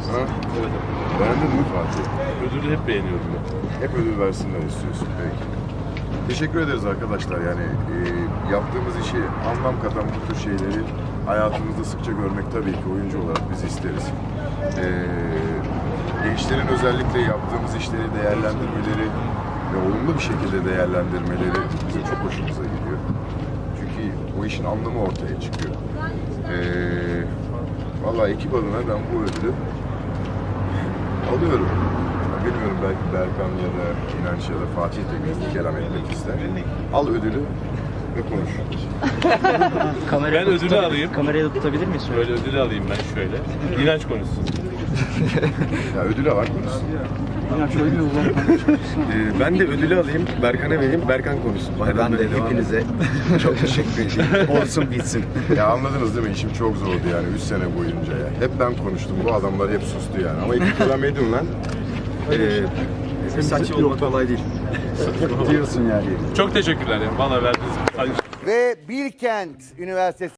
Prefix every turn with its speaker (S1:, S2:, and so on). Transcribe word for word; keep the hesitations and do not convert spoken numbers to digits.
S1: Ha?
S2: Evet.
S1: Beğendin mi Fatih?
S2: Ödülü hep beğeniyorum ben.
S1: Hep ödül versinler istiyorsun. Peki. Teşekkür ederiz arkadaşlar. Yani e, yaptığımız işi, anlam katan bu tür şeyleri hayatımızda sıkça görmek tabii ki oyuncu olarak biz isteriz. E, gençlerin özellikle yaptığımız işleri değerlendirmeleri ve olumlu bir şekilde değerlendirmeleri bizim çok hoşumuza gidiyor. Çünkü o işin anlamı ortaya çıkıyor. E, vallahi ekip adına ben bu ödülü alıyorum. Bilmiyorum, belki Berkan ya da İnanç ya da Fatih de bir kelam etmek ister. Al ödülü ve konuş.
S2: Ben ödülü alayım.
S3: Kamerayı da tutabilir miyiz?
S2: Böyle ödülü alayım ben şöyle. İnanç konuşsun.
S1: Ya ödülü al konuşsun.
S3: İnanç öyle mi ulan?
S4: Ee, ben de ödülü alayım, Berkan'a vereyim, Berkan konuşsun.
S5: Ben de hepinize çok teşekkür edeyim. Olsun bitsin.
S1: Ya anladınız değil mi? İşim çok zordu yani üç sene boyunca ya. Hep ben konuştum. Bu adamlar hep sustu yani. Ama iki kelam edin lan.
S5: Ee, saç olmak kolay değil. Diyorsun yani.
S2: Çok teşekkürler ya. Bana verdiğiniz.
S6: Ve Bilkent Üniversitesi